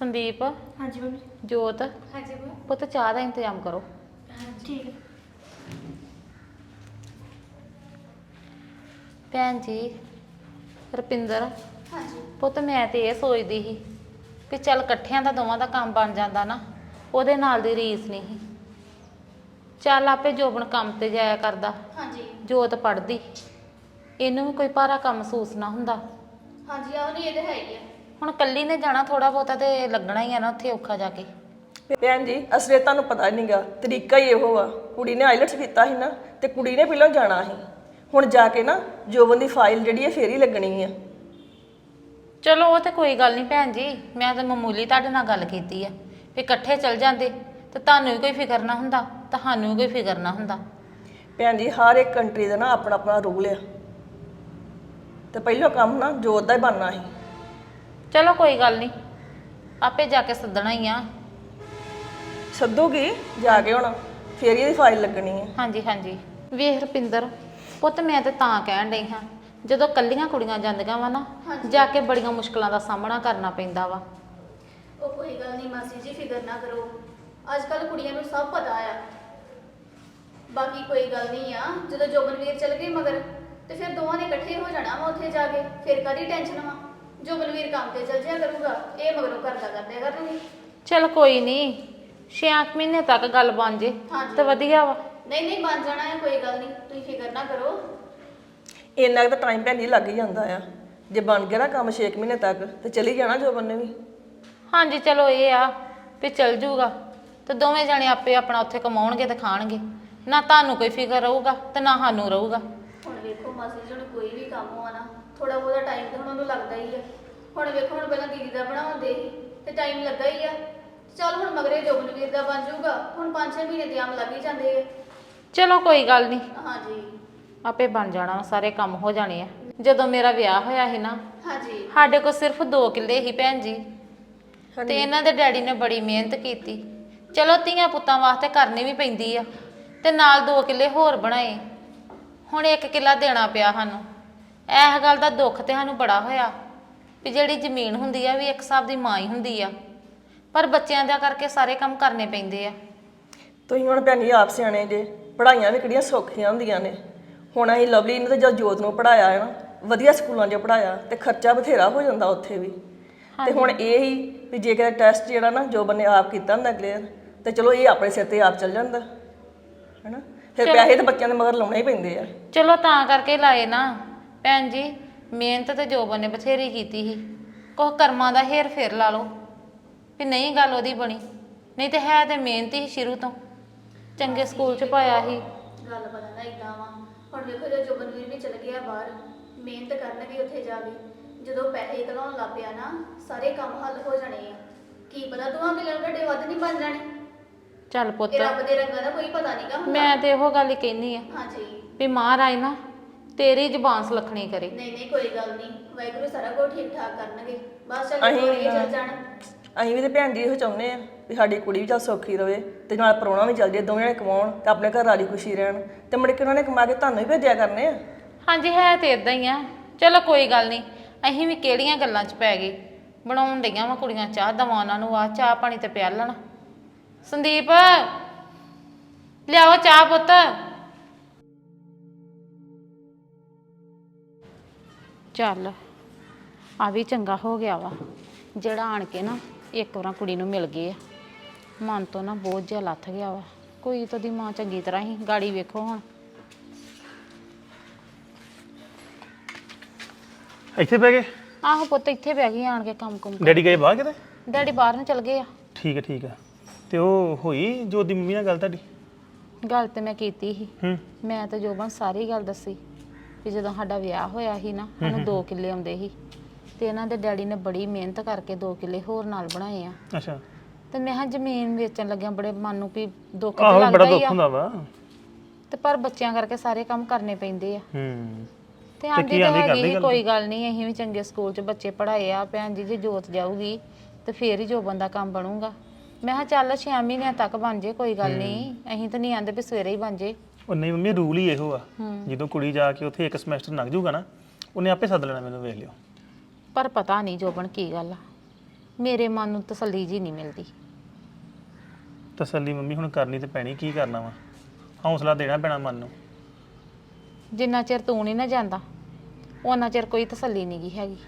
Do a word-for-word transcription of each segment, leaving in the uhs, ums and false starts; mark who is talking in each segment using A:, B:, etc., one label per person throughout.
A: संदीप।
B: हाँ जी मम्मी।
A: जोत।
B: हाँ जी मम्मी।
A: पुत चाह का इंतजाम करो।
B: हाँ ठीक है।
A: भैन जी रपिंदर।
B: हाँ जी।
A: पुत मैं तो ये सोचती ਸੀ कि चल कट्ठियां ਦਾ ਦੋਵਾਂ ਦਾ ਕੰਮ ਬਣ ਜਾਂਦਾ ਨਾ ਉਹਦੇ ਨਾਲ ਦੀ ਰੀਸ ਨਹੀਂ ਸੀ। ਚੱਲ ਆਪੇ ਜੋਬਨ ਕੰਮ ਤੇ ਜਾਇਆ ਕਰਦਾ।
B: हाँ जी।
A: ਜੋਤ ਪੜਦੀ ਇਹਨੂੰ ਵੀ ਕੋਈ ਭਾਰਾ ਕੰਮ ਮਹਿਸੂਸ ਨਾ ਹੁੰਦਾ।
B: हाँ जी ਆਹ ਨਹੀਂ ਇਹ ਤਾਂ ਹੈ ਹੀ ਆ।
A: ਹੁਣ ਕੱਲੀ ਨੇ ਜਾਣਾ ਥੋੜਾ ਬਹੁਤਾ ਤੇ ਲੱਗਣਾ ਹੀ ਆ ਨਾ ਉੱਥੇ ਔਖਾ ਜਾ ਕੇ।
C: ਭੈਣ ਜੀ ਅਸਲੇ ਤੁਹਾਨੂੰ ਪਤਾ ਨਹੀਂਗਾ ਤਰੀਕਾ ਹੀ ਇਹੋ ਆ। ਕੁੜੀ ਨੇ ਆਈਲਟਸ ਕੀਤਾ ਸੀ ਨਾ ਤੇ ਕੁੜੀ ਨੇ ਪਹਿਲਾਂ ਜਾਣਾ ਸੀ। ਹੁਣ ਜਾ ਕੇ ਨਾ ਜੋਬਨ ਦੀ ਫਾਈਲ ਜਿਹੜੀ ਹੈ ਫੇਰ ਹੀ ਲੱਗਣੀ ਆ।
A: ਚਲੋ ਉਹ ਤੇ ਕੋਈ ਗੱਲ ਨਹੀਂ ਭੈਣ ਜੀ, ਮੈਂ ਤਾਂ ਮਾਮੂਲੀ ਤੁਹਾਡੇ ਨਾਲ ਗੱਲ ਕੀਤੀ ਆ ਵੀ ਇਕੱਠੇ ਚੱਲ ਜਾਂਦੇ ਤੇ ਤੁਹਾਨੂੰ ਵੀ ਕੋਈ ਫਿਕਰ ਨਾ ਹੁੰਦਾ, ਤੁਹਾਨੂੰ ਵੀ ਕੋਈ ਫਿਕਰ ਨਾ ਹੁੰਦਾ।
C: ਭੈਣ ਜੀ ਹਰ ਇੱਕ ਕੰਟਰੀ ਦਾ ਨਾ ਆਪਣਾ ਆਪਣਾ ਰੂਲ ਆ ਤੇ ਪਹਿਲਾਂ ਕੰਮ ਨਾ ਜੋਤ ਦਾ ਹੀ ਬਣਨਾ ਸੀ।
A: ਚਲੋ ਕੋਈ ਗੱਲ ਨਹੀਂ, ਆਪੇ ਜਾ ਕੇ ਸੱਦਣਾ ਹੀ ਆ।
C: ਸੱਦੂਗੀ ਜਾ ਕੇ ਹੁਣ ਫੇਰ ਹੀ ਇਹਦੀ ਫਾਈਲ ਲੱਗਣੀ ਹੈ।
A: ਹਾਂਜੀ ਹਾਂਜੀ। ਵੇਖ ਰੁਪਿੰਦਰ ਪੁੱਤ ਮੈਂ ਤੇ ਤਾਂ ਕਹਿਣ ਡਈ ਹਾਂ ਜਦੋਂ ਕੱਲੀਆਂ ਕੁੜੀਆਂ ਜਾਂਦੀਆਂ ਵਾ ਨਾ ਜਾ ਕੇ ਬੜੀਆਂ ਮੁਸ਼ਕਲਾਂ ਦਾ ਸਾਹਮਣਾ ਕਰਨਾ ਪੈਂਦਾ ਵਾ।
B: ਉਹ ਕੋਈ ਗੱਲ ਨਹੀਂ ਮਾਸੀ ਜੀ ਫਿਕਰ ਨਾ ਕਰੋ, ਅੱਜ ਕੱਲ ਕੁੜੀਆਂ ਨੂੰ ਸਭ ਪਤਾ ਆ। ਬਾਕੀ ਕੋਈ ਗੱਲ ਨਹੀਂ ਆ, ਜਦੋਂ ਜੋਬਨਵੀਰ ਚਲ ਗਏ ਮਗਰ ਤੇ ਫਿਰ ਦੋਵਾਂ ਨੇ ਇਕੱਠੇ ਹੋ ਜਾਣਾ ਵਾ ਉੱਥੇ ਜਾ ਕੇ। ਫਿਰ ਕਾਹਦੀ ਟੈਨਸ਼ਨ ਵਾ, ਜੋਬਨਵੀਰ ਕੰਮ ਤੇ ਚਲ ਜਿਆ ਕਰੂਗਾ, ਇਹ ਮਗਰੋਂ ਘਰ ਦਾ ਕਰਦੇ ਕਰਨਗੇ।
A: ਚਲ ਕੋਈ ਨਹੀਂ, ਛੇ ਅੱਠ ਮਹੀਨੇ ਤੱਕ ਗੱਲ ਬਣ ਜੇ ਤੇ ਵਧੀਆ ਵਾ।
B: ਨਹੀਂ ਨਹੀਂ ਬਣ ਜਾਣਾ ਹੈ, ਕੋਈ ਗੱਲ ਨਹੀਂ, ਤੁਸੀਂ ਫਿਕਰ ਨਾ ਕਰੋ।
C: ਇੰਨਾ ਕੁ ਤਾਂ ਟਾਈਮ ਭੈਣ ਜੀ ਲੱਗ ਹੀ ਜਾਂਦਾ ਆ। ਜੇ ਬਣ ਗਿਆ ਨਾ ਕੰਮ ਛੇ ਕੁ ਮਹੀਨੇ ਤੱਕ ਤੇ ਚਲੀ ਜਾਣਾ ਜੋਬਨ ਨੇ ਵੀ।
A: ਹਾਂਜੀ ਚਲੋ ਇਹ ਆ ਵੀ ਚਲ ਜੂਗਾ ਤੇ ਦੋਵੇਂ ਜਣੇ ਆਪੇ ਆਪਣਾ ਉੱਥੇ ਕਮਾਉਣਗੇ ਤੇ ਖਾਣਗੇ, ਨਾ ਤੁਹਾਨੂੰ ਕੋਈ ਫਿਕਰ ਰਹੂਗਾ ਤੇ ਨਾ ਸਾਨੂੰ ਰਹੂਗਾ।
B: ਹੁਣ ਵੇਖੋ ਮਾਸੀ ਜੀ, ਹੁਣ ਕੋਈ ਵੀ ਕੰਮ ਹੋਆ ਨਾ ਥੋੜਾ ਬਹੁਤਾ ਟਾਈਮ ਤਾਂ ਹੁਣ ਉਹਨੂੰ ਲੱਗਦਾ ਹੀ ਆ। ਹੁਣ ਵੇਖੋ ਹੁਣ ਪਹਿਲਾਂ ਦੀਦੀ ਦਾ ਬਣਾਉਂਦੇ ਸੀ ਤੇ ਟਾਈਮ ਲੱਗਾ ਹੀ ਆ। ਚੱਲ ਹੁਣ ਮਗਰੇ ਜੋਬਨਵੀਰ ਦਾ ਬਣ ਜਾਊਗਾ, ਹੁਣ ਪੰਜ ਛੇ ਮਹੀਨੇ ਦੇ ਆਮ ਲੱਗ ਹੀ ਜਾਂਦੇ ਆ।
A: ਚਲੋ ਕੋਈ ਗੱਲ ਨਹੀਂ,
B: ਹਾਂਜੀ
A: ਆਪੇ ਬਣ ਜਾਣਾ, ਸਾਰੇ ਕੰਮ ਹੋ ਜਾਣੇ ਆ। ਜਦੋਂ ਮੇਰਾ ਵਿਆਹ ਹੋਇਆ ਸੀ ਨਾ
B: ਹਾਂਜੀ
A: ਸਾਡੇ ਕੋਲ ਸਿਰਫ ਦੋ ਕਿੱਲੇ ਹੀ ਭੈਣ ਜੀ, ਤੇ ਇਹਨਾਂ ਦੇ ਡੈਡੀ ਨੇ ਬੜੀ ਮਿਹਨਤ ਕੀਤੀ। ਚਲੋ ਧੀਆਂ ਪੁੱਤਾਂ ਵਾਸਤੇ ਕਰਨੀ ਵੀ ਪੈਂਦੀ ਆ, ਤੇ ਨਾਲ ਦੋ ਕਿੱਲੇ ਹੋਰ ਬਣਾਏ। ਹੁਣ ਇੱਕ ਕਿੱਲਾ ਦੇਣਾ ਪਿਆ ਸਾਨੂੰ। ਇਸ ਗੱਲ ਦਾ ਦੁੱਖ ਤੇ ਸਾਨੂੰ ਬੜਾ ਹੋਇਆ ਵੀ ਜਿਹੜੀ ਜ਼ਮੀਨ ਹੁੰਦੀ ਆ ਵੀ ਇੱਕ ਹਿਸਾਬ ਦੀ ਮਾਂ ਹੀ ਹੁੰਦੀ ਆ, ਪਰ ਬੱਚਿਆਂ ਦਾ ਕਰਕੇ ਸਾਰੇ ਕੰਮ ਕਰਨੇ ਪੈਂਦੇ ਆ।
C: ਤੁਸੀਂ ਹੁਣ ਭੈਣ ਜੀ ਆਪ ਸਿਆਣੇ ਜੇ, ਪੜ੍ਹਾਈਆਂ ਵੀ ਕਿਹੜੀਆਂ ਸੌਖੀਆਂ ਹੁੰਦੀਆਂ ਨੇ। ਹੁਣ ਅਸੀਂ ਲਵਲੀ ਨੂੰ ਤੇ ਜਦ ਜੋਤ ਨੂੰ ਪੜ੍ਹਾਇਆ ਹੈ ਨਾ ਵਧੀਆ ਸਕੂਲਾਂ 'ਚ ਪੜ੍ਹਾਇਆ ਤੇ ਖਰਚਾ ਬਥੇਰਾ ਹੋ ਜਾਂਦਾ ਉੱਥੇ ਵੀ। ਤੇ ਹੁਣ ਇਹ ਹੀ ਵੀ ਜੇ ਕਿਤੇ ਟੈਸਟ ਜਿਹੜਾ ਨਾ ਜੋਬਨ ਨੇ ਆਪ ਕੀਤਾ ਹੁੰਦਾ ਕਲੀਅਰ ਤੇ ਚਲੋ ਇਹ ਆਪਣੇ ਸਿਰ ਤੇ ਆਪ ਚੱਲ ਜਾਂਦਾ ਹੈਨਾ। ਫਿਰ ਪੈਸੇ ਤੇ ਬੱਚਿਆਂ ਦੇ ਮਗਰ ਲਾਉਣੇ ਹੀ ਪੈਂਦੇ ਆ।
A: ਚਲੋ ਤਾਂ ਕਰਕੇ ਲਾਏ ਨਾ ਭੈਣ ਜੀ, ਮਿਹਨਤ ਤੇ ਜੋਬਨ ਨੇ ਬਥੇਰੀ ਕੀਤੀ ਸੀ। ਕੁਛ ਕਰਮਾਂ ਦਾ ਹੇਰ ਫੇਰ ਲਾ ਲਓ ਵੀ ਨਹੀਂ ਗੱਲ ਉਹਦੀ ਬਣੀ, ਨਹੀਂ ਤੇ ਹੈ ਤੇ ਮਿਹਨਤ ਹੀ ਸ਼ੁਰੂ ਤੋਂ। ਚੰਗੇ ਸਕੂਲ 'ਚ ਪਾਇਆ ਸੀ।
B: ਗੱਲ ਪਤਾ ਨਾ ਇਦਾਂ ਵਾ। ਹੁਣ ਵੇਖੋ ਜੇ ਜੋਬਨਵੀਰ ਵੀ ਚਲ ਗਿਆ ਬਾਹਰ, ਮਿਹਨਤ ਕਰਨਗੇ ਉੱਥੇ ਜਾ ਕੇ, ਜਦੋਂ ਪੈਸੇ ਕਲਾਉਣ ਲੱਗ ਪਿਆ ਨਾ ਸਾਰੇ ਕੰਮ ਹੱਲ ਹੋ ਜਾਣੇ ਆ। ਕੀ ਪਤਾ ਦੋਵਾਂ ਕਿੱਲਿਆਂ ਨੂੰ ਢੱਡੇ ਵੱਧ ਨਹੀਂ ਬਣ ਜਾਣੇ।
A: ਚੱਲ ਪੁੱਤ
B: ਇਹ ਰੱਬ ਦੇ ਰੰਗਾਂ ਦਾ ਕੋਈ ਪਤਾ ਨਹੀਂਗਾ ਹੁੰਦਾ।
A: ਮੈਂ ਤੇ ਇਹੋ ਗੱਲ ਹੀ ਕਹਿੰਦੀ ਆ
B: ਹਾਂਜੀ
A: ਵੀ ਮਹਾਰਾਜ ਨਾ ਤੇਰੀ ਜ਼ੁਬਾਨ ਸੁਲੱਖਣੀ ਕਰੇ।
B: ਨਹੀਂ ਨਹੀਂ ਕੋਈ ਗੱਲ ਨਹੀਂ, ਵਾਹਿਗੁਰੂ ਸਾਰਾ ਕੁਝ ਠੀਕ ਠਾਕ ਕਰਨਗੇ। ਬਸ ਚੱਲ
C: ਅਸੀਂ
B: ਕੋਈ ਚੱਲ ਜਾਣ।
C: ਅਸੀਂ ਵੀ ਤੇ ਭੈਣ ਜੀ ਇਹੋ ਚਾਹੁੰਦੇ ਆ ਵੀ ਸਾਡੀ ਕੁੜੀ ਵੀ ਚੱਲ ਸੌਖੀ ਰਵੇ ਤੇ ਨਾਲ ਪ੍ਰਾਹੁਣਾ ਵੀ ਚੱਲ ਜੇ, ਦੋਵੇਂ ਜਣੇ ਕਮਾਉਣ ਤੇ ਆਪਣੇ ਘਰ ਵਾਲੀ ਖੁਸ਼ੀ ਰਹਿਣ ਤੇ ਮੁੜ ਕੇ ਉਹਨਾਂ ਨੇ ਕਮਾ ਕੇ ਤੁਹਾਨੂੰ ਹੀ ਭੇਜਿਆ ਕਰਨੇ ਆ।
A: ਹਾਂਜੀ ਹੈ ਤੇ ਇਦਾਂ ਹੀ ਆ। ਚਲੋ ਕੋਈ ਗੱਲ ਨਹੀਂ, ਅਸੀਂ ਵੀ ਕਿਹੜੀਆਂ ਗੱਲਾਂ 'ਚ ਪੈ ਗਏ। ਬਣਾਉਣ ਡਈਆਂ ਵਾ ਕੁੜੀਆਂ ਚਾਹ, ਦਵਾਂ ਉਹਨਾਂ ਨੂੰ ਆ ਚਾਹ ਪਾਣੀ ਤੇ ਪਿਆ ਲੈਣਾ। ਸੰਦੀਪ ਲਿਆਓ ਚਾਹ ਪੁੱਤ। ਚੱਲ ਆ ਵੀ ਚੰਗਾ ਹੋ ਗਿਆ ਵਾ ਜਿਹੜਾ ਆਣ ਕੇ ਨਾ ਇੱਕ ਵਾਰ ਕੁੜੀ ਨੂੰ ਮਿਲ ਗਏ ਆ। ਮਨ ਤੋਂ ਨਾ ਬਹੁਤ ਜਿਹਾ ਲੱਥ ਗਿਆ ਵਾ। ਕੋਈ ਤਾਂ ਦੀ ਮਾਂ ਚੰਗੀ ਤਰ੍ਹਾਂ ਹੀ ਗਾੜੀ ਵੇਖੋ ਹੁਣ।
D: ਇੱਥੇ ਬਹਿ ਗਏ?
A: ਆਹੋ ਪੁੱਤ ਇੱਥੇ ਬਹਿ ਗਈ ਆਣ ਕੇ ਕੰਮ ਕੁਮ।
D: ਡੈਡੀ ਗਏ ਬਾਹਰ ਕਿਤੇ?
A: ਡੈਡੀ ਬਾਹਰ ਨੂੰ ਚਲ ਗਏ ਆ।
D: ਠੀਕ ਹੈ ਠੀਕ ਹੈ। ਤੇ ਉਹ ਹੋਈ ਜੋਤ ਦੀ ਮੰਮੀ ਨਾਲ ਗੱਲ ਤੁਹਾਡੀ?
A: ਗੱਲ ਤੇ ਮੈਂ ਕੀਤੀ ਸੀ।
D: ਹੂੰ।
A: ਮੈਂ ਤਾਂ ਜੋਬਨ ਸਾਰੀ ਗੱਲ ਦੱਸੀ ਵੀ ਜਦੋਂ ਸਾਡਾ ਵਿਆਹ ਹੋਇਆ ਸੀ ਨਾ ਉਹਨੂੰ ਦੋ ਕਿੱਲੇ ਆਉਂਦੇ ਸੀ ਤੇ ਇਹਨਾਂ ਦੇ ਡੈਡੀ ਨੇ ਬੜੀ ਮਿਹਨਤ ਕਰਕੇ ਦੋ ਕਿੱਲੇ ਹੋਰ ਨਾਲ ਬਣਾਏ ਆ।
D: ਅੱਛਾ।
A: ਤੇ ਮੈਂ ਕਿਹਾ ਜ਼ਮੀਨ ਵੇਚਣ ਲੱਗਿਆ ਬੜੇ ਮਨ ਨੂੰ ਵੀ ਦੁੱਖ ਤੇ
D: ਆਹੋ ਬੜਾ
A: ਲੱਗਦਾ ਹੀ
D: ਦੁੱਖ
A: ਆ,
D: ਹੁੰਦਾ ਵਾ।
A: ਤੇ ਪਰ ਬੱਚਿਆਂ ਕਰਕੇ ਸਾਰੇ ਕੰਮ ਕਰਨੇ ਪੈਂਦੇ ਆ।
D: ਹੂੰ।
A: ਤੇ ਆਂਦੀ ਤਾਂ ਹੈਗੀ ਕੋਈ ਗੱਲ ਨਹੀਂ, ਅਸੀਂ ਵੀ ਚੰਗੇ ਸਕੂਲ 'ਚ ਬੱਚੇ ਪੜ੍ਹਾਏ ਆ। ਭੈਣ ਜੀ ਜੇ ਜੋਤ ਜਾਊਗੀ ਤੇ ਫੇਰ ਹੀ ਜੋਬਨ ਦਾ ਕੰਮ ਬਣੂਗਾ। ਮੈਂ ਕਿਹਾ ਚੱਲ ਛੇ ਮਹੀਨਿਆਂ ਤੱਕ ਬਣ ਜੇ, ਕੋਈ ਗੱਲ ਨਹੀਂ, ਅਸੀਂ ਤਾਂ ਨਹੀਂ ਆਂਦੇ ਵੀ ਸਵੇਰੇ ਹੀ ਬਣ ਜੇ।
D: ਉਹ ਨਹੀਂ ਮੰਮੀ ਰੂਲ ਹੀ ਇਹੋ ਆ, ਜਦੋਂ ਕੁੜੀ ਜਾ ਕੇ ਉੱਥੇ ਇੱਕ ਸਮੈਸਟਰ ਲੰਘ ਜਾਊਗਾ ਨਾ ਉਹਨੇ ਆਪੇ ਸੱਦ ਲੈਣਾ ਮੈਨੂੰ, ਵੇਖ ਲਿਓ।
A: ਪਰ ਪਤਾ ਨਹੀਂ ਜੋਬਨ ਕੀ ਗੱਲ ਆ। ਮੇਰੇ ਮਨ ਨੂੰ ਤਸੱਲੀ ਜੀ ਨਹੀਂ ਮਿਲਦੀ।
D: ਤਸੱਲੀ ਮੰਮੀ ਹੁਣ ਕਰਨੀ ਤੇ ਪੈਣੀ, ਕੀ ਕਰਨਾ ਵਾ, ਹੌਸਲਾ ਦੇਣਾ ਪੈਣਾ ਮਨ ਨੂੰ।
A: ਜਿੰਨਾ ਚਿਰ ਤੂੰ ਨਹੀਂ ਨਾ ਜਾਂਦਾ ਉਹਨਾਂ ਚਿਰ ਕੋਈ ਤਸੱਲੀ ਨਹੀਂ ਗੀ ਹੈਗੀ।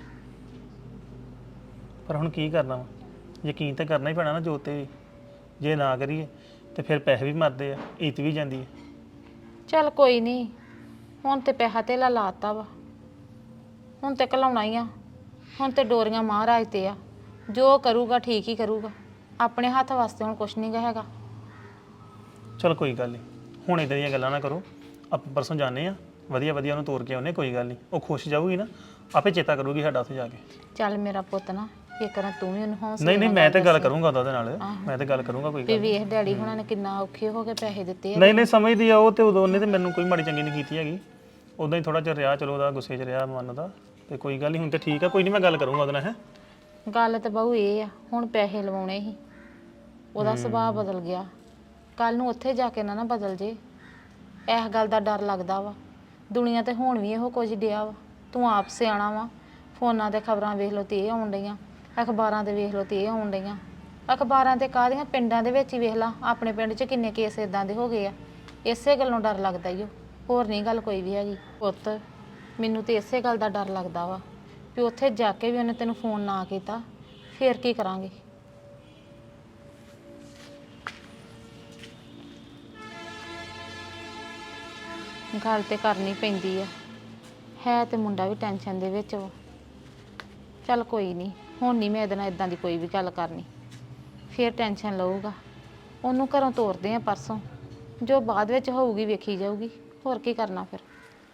D: ਪਰ ਹੁਣ ਕੀ ਕਰਨਾ ਵਾ, ਯਕੀਨ ਤਾਂ ਕਰਨਾ ਹੀ ਪੈਣਾ ਨਾ ਜੋਤ ਤੇ ਵੀ। ਜੇ ਨਾ ਕਰੀਏ ਤੇ ਫਿਰ ਪੈਸੇ ਵੀ ਮਰਦੇ ਆ, ਇੱਜ਼ਤ ਵੀ ਜਾਂਦੀ ਹੈ।
A: ਚੱਲ ਕੋਈ ਨਹੀਂ, ਹੁਣ ਤੇ ਪੈਸਾ ਧੇਲਾ ਲਾਤਾ ਵਾ, ਹੁਣ ਤੇ ਘਲਾਉਣਾ ਹੀ ਆ। ਹੁਣ ਤੇ ਡੋਰੀਆਂ ਮਹਾਰਾਜ ਤੇ ਆ, ਜੋ ਕਰੂਗਾ ਠੀਕ ਹੀ ਕਰੂਗਾ। ਆਪਣੇ ਹੱਥ ਵਾਸਤੇ ਹੁਣ ਕੁਛ ਨਹੀਂ ਗਾ ਹੈਗਾ।
D: ਚਲ ਕੋਈ ਗੱਲ ਨਹੀਂ, ਹੁਣ ਇਦਾਂ ਦੀਆਂ ਗੱਲਾਂ ਨਾ ਕਰੋ। ਆਪਾਂ ਪਰਸੋਂ ਜਾਣੇ ਆ, ਵਧੀਆ ਵਧੀਆ ਉਹਨੂੰ ਤੋਰ ਕੇ ਆਉਨੇ, ਕੋਈ ਗੱਲ ਨਹੀਂ। ਉਹ ਖੁਸ਼ ਜਾਊਗੀ ਨਾ, ਆਪੇ ਚੇਤਾ ਕਰੂਗੀ ਸਾਡਾ ਉੱਥੇ ਜਾ ਕੇ।
A: ਚੱਲ ਮੇਰਾ ਪੁੱਤ ਨਾ ਇਹ ਕਰਾਂ ਤੂੰ ਵੀ ਉਹਨੂੰ ਹੌਸਲਾ
D: ਨਹੀਂ ਨਹੀਂ, ਮੈਂ ਤੇ ਗੱਲ ਕਰੂੰਗਾ ਉਹਦੇ ਨਾਲ, ਮੈਂ ਤੇ ਗੱਲ ਕਰੂੰਗਾ, ਕੋਈ
A: ਵੀ
D: ਗੱਲ
A: ਵੇਖ ਡੈਡੀ ਹੁਣਾਂ ਨੇ ਕਿੰਨਾ ਔਖੇ ਹੋ ਕੇ ਪੈਸੇ ਦਿੱਤੇ ਆ।
D: ਨਹੀਂ ਨਹੀਂ, ਸਮਝਦੀ ਆ ਉਹ ਤੇ। ਉਦੋਂ ਉਹਨੇ ਤੇ ਮੈਨੂੰ ਕੋਈ ਮਾੜੀ ਚੰਗੀ ਨਹੀਂ ਕੀਤੀ ਹੈਗੀ, ਉਦਾਂ ਹੀ ਥੋੜਾ ਜਿਹਾ ਰਿਹਾ, ਚਲੋ ਉਹਦਾ ਗੁੱਸੇ 'ਚ ਰਿਹਾ ਮਨ ਦਾ, ਤੇ ਕੋਈ ਗੱਲ ਨਹੀਂ। ਹੁਣ ਤੇ ਠੀਕ ਆ, ਕੋਈ ਨਹੀਂ, ਮੈਂ ਗੱਲ ਕਰੂੰਗਾ ਉਹਦੇ ਨਾਲ। ਹੈ
A: ਗੱਲ ਤਾਂ ਬਹੁ ਇਹ ਆ, ਹੁਣ ਪੈਸੇ ਲਵਾਉਣੇ ਸੀ, ਉਹਦਾ ਸੁਭਾਅ ਬਦਲ ਗਿਆ। ਕੱਲ ਨੂੰ ਉੱਥੇ ਜਾ ਕੇ ਨਾ ਨਾ ਬਦਲ ਜੇ, ਇਸ ਗੱਲ ਦਾ ਡਰ ਲੱਗਦਾ ਵਾ। ਦੁਨੀਆ ਤੇ ਹੁਣ ਵੀ ਇਹੋ ਕੁਝ ਡਿਆ ਵਾ। ਤੂੰ ਆਪ ਸਿਆਣਾ ਵਾ, ਫੋਨਾਂ ਤੇ ਖਬਰਾਂ ਵੇਖ ਲਓ ਤੇ ਇਹ ਆਉਣ ਡਈਆਂ, ਅਖਬਾਰਾਂ ਤੇ ਵੇਖ ਲਓ ਤੇ ਇਹ ਆਉਣ ਡਈਆਂ। ਅਖਬਾਰਾਂ ਤੇ ਕਾਹਦੀਆਂ, ਪਿੰਡਾਂ ਦੇ ਵਿੱਚ ਹੀ ਵੇਖ ਲਾ, ਆਪਣੇ ਪਿੰਡ 'ਚ ਕਿੰਨੇ ਕੇਸ ਇਦਾਂ ਦੇ ਹੋ ਗਏ ਆ। ਇਸੇ ਗੱਲੋਂ ਡਰ ਲੱਗਦਾ ਈ ਓ, ਹੋਰ ਨਹੀਂ ਗੱਲ ਕੋਈ ਵੀ ਹੈਗੀ। ਪੁੱਤ ਮੈਨੂੰ ਤੇ ਇਸੇ ਗੱਲ ਦਾ ਡਰ ਲੱਗਦਾ ਵਾ ਵੀ ਉੱਥੇ ਜਾ ਕੇ ਵੀ ਉਹਨੇ ਤੈਨੂੰ ਫੋਨ ਨਾ ਕੀਤਾ, ਫੇਰ ਕੀ ਕਰਾਂਗੇ। ਗੱਲ ਤੇ ਕਰਨੀ ਪੈਂਦੀ ਆ, ਹੈ ਤੇ ਮੁੰਡਾ ਵੀ ਟੈਨਸ਼ਨ ਦੇ ਵਿੱਚ ਵਾ। ਚੱਲ ਕੋਈ ਨਹੀਂ, ਹੁਣ ਨਹੀਂ ਮੈਂ ਇਹਦੇ ਨਾਲ ਇਦਾਂ ਦੀ ਕੋਈ ਵੀ ਗੱਲ ਕਰਨੀ, ਫੇਰ ਟੈਨਸ਼ਨ ਲਊਗਾ। ਉਹਨੂੰ ਘਰੋਂ ਤੋਰਦੇ ਆ ਪਰਸੋਂ, ਜੋ ਬਾਅਦ ਵਿੱਚ ਹੋਊਗੀ ਵੇਖੀ ਜਾਊਗੀ, ਹੋਰ ਕੀ ਕਰਨਾ ਫਿਰ।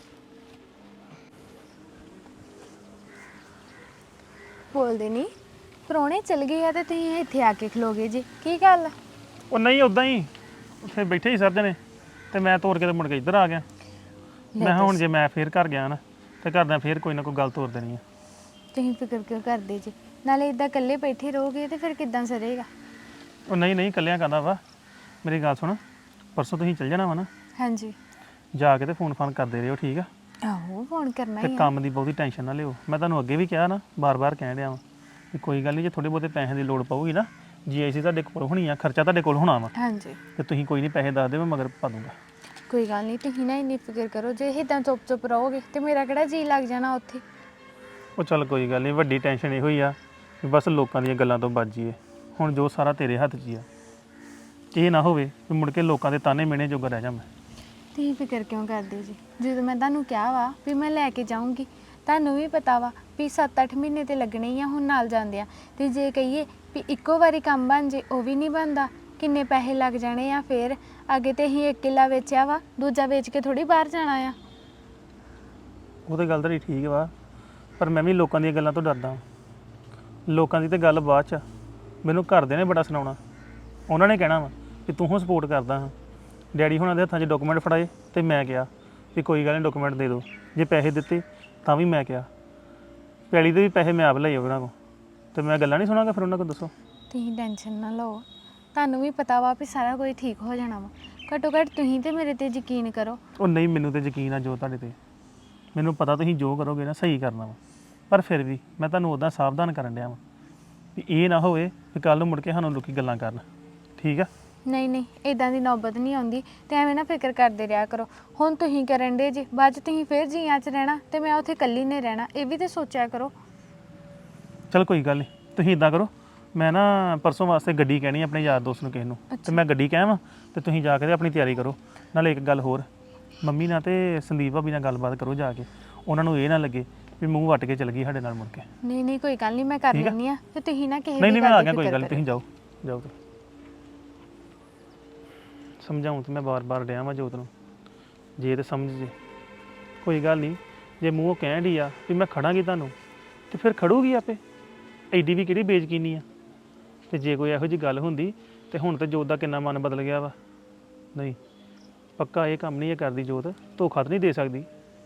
E: ਬੋਲਦੇ ਨਹੀਂ, ਪ੍ਰਾਹੁਣੇ ਚਲ ਗਏ ਆ ਤੇ ਤੁਸੀਂ ਇੱਥੇ ਆ ਕੇ ਖਲੋਗੇ ਜੀ, ਕੀ ਗੱਲ?
D: ਉਹ ਨਹੀਂ, ਉਦਾਂ ਹੀ ਉੱਥੇ ਬੈਠੇ ਹੀ ਸਰ ਜਣੇ, ਤੇ ਮੈਂ ਤੋਰ ਕੇ ਤੇ ਮੁੜ ਕੇ ਇੱਧਰ ਆ ਗਿਆ। ਮੈਂ ਕਿਹਾ ਹੁਣ ਜੇ ਮੈਂ ਫੇਰ ਘਰ ਗਿਆ ਨਾ ਤੇ ਘਰਦਿਆਂ ਫੇਰ ਕੋਈ ਨਾ ਕੋਈ ਗੱਲ ਤੋਰ ਦੇਣੀ ਆ।
E: ਤੁਸੀਂ ਫਿਕਰ ਕਿਉਂ ਕਰਦੇ ਜੀ? ਨਾਲੇ ਇਦਾਂ ਇਕੱਲੇ ਬੈਠੇ ਰਹੋਗੇ ਤੇ ਫਿਰ ਕਿੱਦਾਂ ਸਰੇਗਾ?
D: ਉਹ ਨਹੀਂ ਨਹੀਂ, ਇਕੱਲਿਆਂ ਕਰਦਾ ਵਾ। ਮੇਰੀ ਗੱਲ ਸੁਣ, ਪਰਸੋਂ ਤੁਸੀਂ ਚੱਲ ਜਾਣਾ ਵਾ ਨਾ,
E: ਹਾਂਜੀ।
D: ਜਾ ਕੇ ਤੇ ਫੋਨ ਫਾਨ ਕਰਦੇ ਰਹੋ, ਠੀਕ ਆ?
E: ਆਹੋ ਫੋਨ ਕਰਨਾ
D: ਤੇ
E: ਹੀ ਆ।
D: ਕੰਮ ਦੀ ਬਹੁਤੀ ਟੈਨਸ਼ਨ ਨਾ ਲਿਓ। ਮੈਂ ਤੁਹਾਨੂੰ ਅੱਗੇ ਵੀ ਕਿਹਾ ਨਾ, ਬਾਰ-ਬਾਰ ਕਹਿ ਰਿਹਾ ਵਾਂ ਕਿ ਕੋਈ ਗੱਲ ਨਹੀਂ, ਜੇ ਥੋੜੇ ਬਹੁਤੇ ਪੈਸੇ ਦੀ ਲੋੜ ਪਊਗੀ ਨਾ, ਜੀ ਆਈ ਸੀ ਤੁਹਾਡੇ ਕੋਲ ਹੋਣੀ ਆ, ਖਰਚਾ ਤੁਹਾਡੇ ਕੋਲ ਹੋਣਾ ਵਾ,
E: ਹਾਂਜੀ
D: ਤੇ ਤੁਸੀਂ ਕੋਈ ਨਹੀਂ ਪੈਸੇ ਦੱਸ ਦਿਓ, ਮੈਂ ਮਗਰ ਪਾ ਦੂੰਗਾ।
E: ਕੋਈ ਗੱਲ ਨਹੀਂ, ਤੁਸੀਂ ਨਾ ਇੰਨੀ ਫਿਕਰ ਕਰੋ। ਜੇ ਇਦਾਂ ਚੁੱਪ ਚੁੱਪ ਰਹੋਗੇ ਤੇ ਮੇਰਾ ਕਿਹੜਾ ਜੀ ਲੱਗ ਜਾਣਾ ਉੱਥੇ।
D: ਉਹ ਚੱਲ ਕੋਈ ਗੱਲ ਨਹੀਂ, ਵੱਡੀ ਟੈਨਸ਼ਨ ਇਹੋ ਹੀ ਆ ਵੀ ਬਸ ਲੋਕਾਂ ਦੀਆਂ ਗੱਲਾਂ ਤੋਂ ਬਚ ਜਾਈਏ। ਹੁਣ ਜੋ ਸਾਰਾ ਤੇਰੇ ਹੱਥ 'ਚ ਹੀ ਆ, ਇਹ ਨਾ ਹੋਵੇ ਵੀ ਮੁੜ ਕੇ ਲੋਕਾਂ ਦੇ ਤਾਨੇ ਮਿਹਣੇ ਜੋਗਾ ਰਹਿ ਜਾ ਮੈਂ।
E: ਤੁਸੀਂ ਫਿਕਰ ਕਿਉਂ ਕਰਦੇ ਜੀ? ਜਦੋਂ ਮੈਂ ਤੁਹਾਨੂੰ ਕਿਹਾ ਵਾ ਵੀ ਮੈਂ ਲੈ ਕੇ ਜਾਊਂਗੀ, ਤੁਹਾਨੂੰ ਵੀ ਪਤਾ ਵਾ ਵੀ ਸੱਤ ਅੱਠ ਮਹੀਨੇ ਤੇ ਲੱਗਣੇ ਹੀ ਆ ਹੁਣ ਨਾਲ ਜਾਂਦੇ ਆ। ਤੇ ਜੇ ਕਹੀਏ ਵੀ ਇੱਕੋ ਵਾਰੀ ਕੰਮ ਬਣ ਜੇ, ਉਹ ਵੀ ਨਹੀਂ ਬਣਦਾ, ਕਿੰਨੇ ਪੈਸੇ ਲੱਗ ਜਾਣੇ ਆ। ਫਿਰ ਅੱਗੇ ਤੇ ਅਸੀਂ ਇੱਕ ਕਿੱਲਾ ਵੇਚਿਆ ਵਾ, ਦੂਜਾ ਵੇਚ ਕੇ ਥੋੜੀ ਬਾਹਰ ਜਾਣਾ ਆ।
D: ਉਹ ਤਾਂ ਗੱਲ ਤੇਰੀ ਠੀਕ ਵਾ, ਪਰ ਮੈਂ ਵੀ ਲੋਕਾਂ ਦੀਆਂ ਗੱਲਾਂ ਤੋਂ ਡਰਦਾ। ਲੋਕਾਂ ਦੀ ਤੇ ਗੱਲ ਬਾਅਦ 'ਚ, ਮੈਨੂੰ ਘਰਦਿਆਂ ਨੇ ਬੜਾ ਸੁਣਾਉਣਾ। ਉਹਨਾਂ ਨੇ ਕਹਿਣਾ ਵਾ ਕਿ ਤੂੰ ਹੁਣ ਸਪੋਰਟ ਕਰਦਾ ਹਾਂ। ਡੈਡੀ ਹੁਣਾਂ ਦੇ ਹੱਥਾਂ 'ਚ ਡਾਕੂਮੈਂਟ ਫੜਾਏ ਤੇ ਮੈਂ ਕਿਹਾ ਵੀ ਕੋਈ ਗੱਲ ਨਹੀਂ, ਡਾਕੂਮੈਂਟ ਦੇ ਦਿਓ। ਜੇ ਪੈਸੇ ਦਿੱਤੇ ਤਾਂ ਵੀ ਮੈਂ ਕਿਹਾ, ਪੈਲੀ ਦੇ ਵੀ ਪੈਸੇ ਮੈਂ ਆਪ ਲਏ ਉਹਨਾਂ ਕੋਲ, ਤੇ ਮੈਂ ਗੱਲਾਂ ਨਹੀਂ ਸੁਣਾਂਗਾ ਫਿਰ ਉਹਨਾਂ ਕੋਲ। ਦੱਸੋ।
E: ਤੁਸੀਂ ਟੈਨਸ਼ਨ ਨਾ ਲਓ, ਤੁਹਾਨੂੰ ਵੀ ਪਤਾ ਵਾ ਵੀ ਸਾਰਾ ਕੁਝ ਠੀਕ ਹੋ ਜਾਣਾ ਵਾ। ਘੱਟੋ ਘੱਟ ਤੁਸੀਂ ਤੇ ਮੇਰੇ ਤੇ ਯਕੀਨ ਕਰੋ।
D: ਉਹ ਨਹੀਂ, ਮੈਨੂੰ ਤੇ ਯਕੀਨ ਆ ਜੋ ਤੁਹਾਡੇ ਤੇ, ਮੈਨੂੰ ਪਤਾ ਤੁਸੀਂ ਜੋ ਕਰੋਗੇ ਨਾ ਸਹੀ ਕਰਨਾ ਵਾ। ਪਰ ਫਿਰ ਵੀ ਮੈਂ ਤੁਹਾਨੂੰ ਉੱਦਾਂ ਸਾਵਧਾਨ ਕਰਨ ਡਿਆ ਵਾਂ ਵੀ ਇਹ ਨਾ ਹੋਵੇ ਵੀ ਕੱਲ ਨੂੰ ਮੁੜ ਕੇ ਸਾਨੂੰ ਲੋਕੀ ਗੱਲਾਂ ਕਰਨ, ਠੀਕ ਆ?
E: ਨਹੀਂ ਨਹੀਂ, ਇਦਾਂ ਦੀ ਨੌਬਤ ਨਹੀਂ ਆਉਂਦੀ, ਤੇ ਐਵੇਂ ਨਾ ਫਿਕਰ ਕਰਦੇ ਰਿਹਾ ਕਰੋ। ਹੁਣ ਤੁਸੀਂ ਕਰਨ ਦੇ ਜੀ, ਬਾਅਦ 'ਚ ਤੁਸੀਂ ਫਿਰ ਜੀਆਂ 'ਚ ਰਹਿਣਾ ਤੇ ਮੈਂ ਉੱਥੇ ਇਕੱਲੀ ਨੇ ਰਹਿਣਾ, ਇਹ ਵੀ ਤੇ ਸੋਚਿਆ ਕਰੋ।
D: ਚਲ ਕੋਈ ਗੱਲ ਨਹੀਂ, ਤੁਸੀਂ ਇਦਾਂ ਕਰੋ, ਮੈਂ ਨਾ ਪਰਸੋਂ ਵਾਸਤੇ ਗੱਡੀ ਕਹਿਣੀ ਆਪਣੇ ਯਾਰ ਦੋਸਤ ਨੂੰ ਕਿਸੇ ਨੂੰ, ਤੇ ਮੈਂ ਗੱਡੀ ਕਹਿਵਾਂ ਤੇ ਤੁਸੀਂ ਜਾ ਕੇ ਤੇ ਆਪਣੀ ਤਿਆਰੀ ਕਰੋ। ਨਾਲੇ ਇੱਕ ਗੱਲ ਹੋਰ, ਮੰਮੀ ਨਾਲ ਤੇ ਸੰਦੀਪ ਭਾਬੀ ਨਾਲ ਗੱਲਬਾਤ ਕਰੋ ਜਾ ਕੇ, ਉਹਨਾਂ ਨੂੰ ਇਹ ਨਾ ਲੱਗੇ ਵੀ ਮੂੰਹ ਵੱਟ ਕੇ ਚਲ ਗਈ ਸਾਡੇ ਨਾਲ ਮੁੜ ਕੇ।
E: ਨਹੀਂ ਨਹੀਂ, ਕੋਈ ਗੱਲ ਨਹੀਂ, ਮੈਂ ਕਰ ਲੈਂਦੀ ਆ। ਤੇ ਤੁਸੀਂ ਨਾ ਕਿਸੇ
D: ਨਹੀਂ
E: ਦੀ
D: ਨਹੀਂ, ਮੈਂ
E: ਗੱਲ
D: ਆ
E: ਦੀ
D: ਗਿਆ, ਕੋਈ
E: ਫਿਕਰ
D: ਗੱਲ ਨਹੀਂ,
E: ਕਰਿਓ।
D: ਤੁਸੀਂ ਜਾਓ ਜਾਓ। ਤੁਸੀਂ ਸਮਝਾਉਂ ਤੇ ਮੈਂ ਬਾਰ-ਬਾਰ ਡਿਆ ਵਾਂ ਜੋਤ ਨੂੰ, ਜੇ ਤੇ ਸਮਝ ਜੇ। ਕੋਈ ਗੱਲ ਨਹੀਂ, ਜੇ ਮੂੰਹੋਂ ਕਹਿਣ ਡਈ ਆ ਵੀ ਮੈਂ ਖੜਾਂਗੀ ਤੁਹਾਨੂੰ, ਤੇ ਫਿਰ ਖੜੂਗੀ ਆਪੇ। ਐਡੀ ਵੀ ਕਿਹੜੀ ਬੇਇੱਜ਼ਤੀ ਆ। ਤੇ ਜੇ ਕੋਈ ਇਹੋ ਜਿਹੀ ਗੱਲ ਹੁੰਦੀ ਤੇ ਹੁਣ ਤੇ ਜੋਤ ਦਾ ਕਿੰਨਾ ਮਨ ਬਦਲ ਗਿਆ ਵਾ। ਨਹੀਂ, ਪੱਕਾ ਇਹ ਕੰਮ ਨਹੀਂ ਇਹ ਕਰਦੀ ਜੋਤ, ਧੋਖਾ ਤਾਂ ਨਹੀਂ ਦੇ ਸਕਦੀ।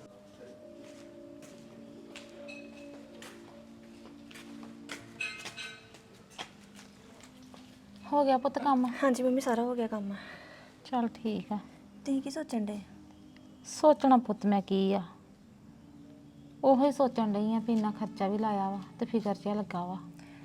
A: ਹੋ ਗਿਆ ਪੁੱਤ ਕੰਮ?
F: ਹਾਂਜੀ ਮੰਮੀ, ਸਾਰਾ ਹੋ ਗਿਆ ਕੰਮ।
A: ਚੱਲ ਠੀਕ ਆ।
F: ਤੁਸੀਂ ਕੀ ਸੋਚਣ ਡੇ?
A: ਸੋਚਣਾ ਪੁੱਤ ਮੈਂ ਕੀ ਆ, ਉਹੀ ਸੋਚਣ ਡਈ ਆ ਵੀ ਇੰਨਾ ਖਰਚਾ ਵੀ ਲਾਇਆ ਵਾ ਤੇ ਫਿਕਰ ਜਿਹਾ ਲੱਗਾ ਵਾ।